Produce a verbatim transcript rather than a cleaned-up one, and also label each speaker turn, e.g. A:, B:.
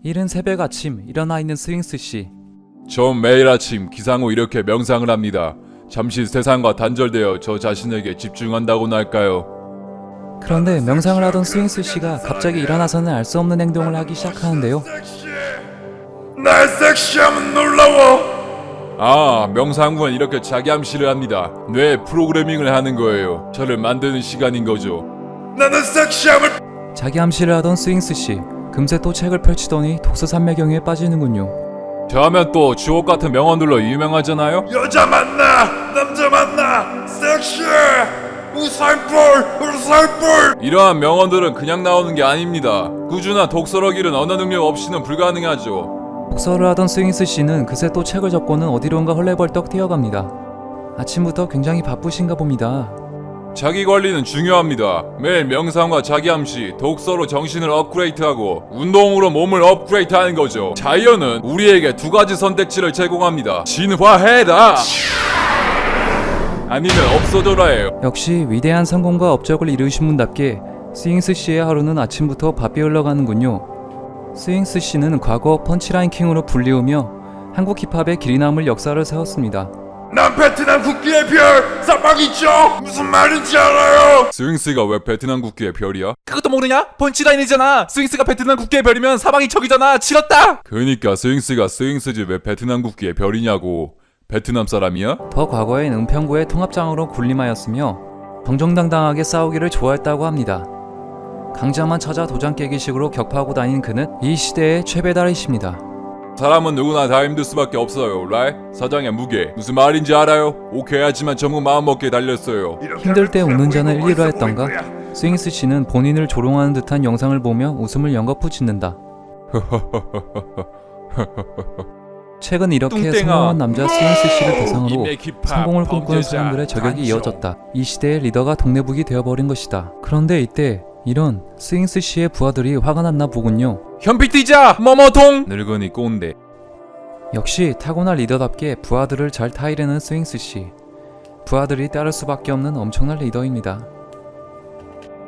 A: 이른 새벽 아침 일어나 있는 스윙스씨.
B: 전 매일 아침 기상 후 이렇게 명상을 합니다. 잠시 세상과 단절되어 저 자신에게 집중한다고나 할까요?
A: 그런데 명상을 하던 스윙스씨가 갑자기 일어나서는 알 수 없는 행동을 하기 시작하는데요.
B: 날 섹시하면 놀라워! 아, 명상 후엔 이렇게 자기 암시를 합니다. 뇌 프로그래밍을 하는 거예요. 저를 만드는 시간인 거죠. 나는 섹시함을...
A: 자기 암시를 하던 스윙스씨, 금세 또 책을 펼치더니 독서 산매경에 빠지는군요.
B: 저 하면 또 주옥 같은 명언들로 유명하잖아요? 여자 만나! 남자 만나! 섹시해! 우살볼! 우살볼! 이러한 명언들은 그냥 나오는 게 아닙니다. 꾸준한 독서력 길은 언어 능력 없이는 불가능하죠.
A: 독서를 하던 스윙스씨는 그새 또 책을 접고는 어디론가 헐레벌떡 뛰어갑니다. 아침부터 굉장히 바쁘신가 봅니다.
B: 자기 관리는 중요합니다. 매일 명상과 자기 암시, 독서로 정신을 업그레이드하고 운동으로 몸을 업그레이드하는 거죠. 자이언은 우리에게 두 가지 선택지를 제공합니다. 진화해라! 아니면 없어져라예요.
A: 역시 위대한 성공과 업적을 이루신 분답게 스윙스씨의 하루는 아침부터 바삐 흘러가는군요. 스윙스씨는 과거 펀치라인 킹으로 불리우며 한국 힙합의 길이 남을 역사를 세웠습니다.
B: 난 베트남 국기의 별! 사방이죠! 무슨 말인지 알아요! 스윙스가 왜 베트남 국기의 별이야?
C: 그것도 모르냐? 펀치라인이잖아. 스윙스가 베트남 국기의 별이면 사방이 적이잖아. 치렀다.
B: 그니까 스윙스가 스윙스지 왜 베트남 국기의 별이냐고. 베트남 사람이야?
A: 더 과거엔 은평구의 통합장으로 군림하였으며 정정당당하게 싸우기를 좋아했다고 합니다. 강자만 찾아 도장 깨기식으로 격파하고 다닌 그는 이 시대의 최배달이십니다.
B: 사람은 누구나 다 힘들 수밖에 없어요, 라이? 사장의 무게 무슨 말인지 알아요? 오케이 하지만 전부 마음먹기에 달렸어요.
A: 힘들 때 웃는 자는 일리로 했던가? 스윙스씨는 본인을 조롱하는 듯한 영상을 보며 웃음을 연거푸 짓는다. 최근 이렇게
C: 뚱땡아.
A: 성공한 남자 스윙스씨를 대상으로
B: 인맥 힙합,
A: 성공을 꿈꾸는
B: 범죄자,
A: 사람들의 저격이
B: 단종.
A: 이어졌다. 이 시대의 리더가 독내북이 되어버린 것이다. 그런데 이때 이런 스윙스씨의 부하들이 화가 났나 보군요.
C: 현피 뛰자. 머머통.
B: 늙은이 꼰대.
A: 역시 타고난 리더답게 부하들을 잘 타이르는 스윙스씨. 부하들이 따를 수밖에 없는 엄청난 리더입니다.